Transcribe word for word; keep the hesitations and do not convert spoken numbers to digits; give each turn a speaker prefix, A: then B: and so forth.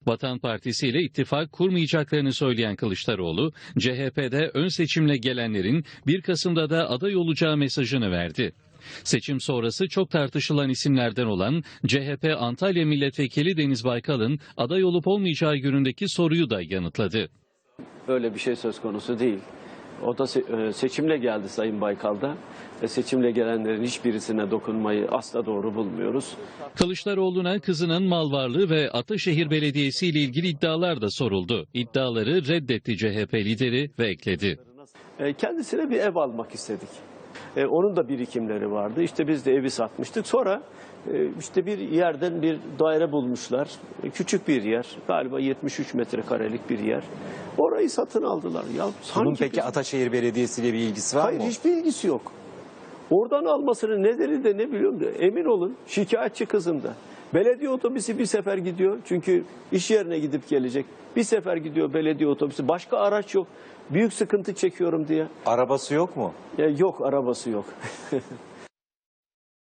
A: Vatan Partisi ile ittifak kurmayacaklarını söyleyen Kılıçdaroğlu, C H P'de ön seçimle gelenlerin bir Kasım'da da aday olacağı mesajını verdi. Seçim sonrası çok tartışılan isimlerden olan C H P Antalya Milletvekili Deniz Baykal'ın aday olup olmayacağı yönündeki soruyu da yanıtladı.
B: Öyle bir şey söz konusu değil. O da seçimle geldi Sayın Baykal'da ve seçimle gelenlerin hiçbirisine dokunmayı asla doğru bulmuyoruz.
A: Kılıçdaroğlu'na kızının mal varlığı ve Ataşehir Belediyesi ile ilgili iddialar da soruldu. İddiaları reddetti C H P lideri ve ekledi.
B: Kendisine bir ev almak istedik. Onun da birikimleri vardı. İşte biz de evi satmıştık. Sonra işte bir yerden bir daire bulmuşlar. Küçük bir yer. Galiba yetmiş üç metrekarelik bir yer. Orayı satın aldılar. Ya,
C: Bunun peki
B: biz...
C: Ataşehir Belediyesi ile bir ilgisi var
B: Hayır,
C: mı?
B: Hayır, hiçbir ilgisi yok. Oradan almasının nedeni de ne biliyorum da emin olun şikayetçi kızım da. Belediye otobüsü bir sefer gidiyor. Çünkü iş yerine gidip gelecek. Bir sefer gidiyor belediye otobüsü. Başka araç yok. Büyük sıkıntı çekiyorum diye.
C: Arabası yok mu?
B: Ya yok, arabası yok.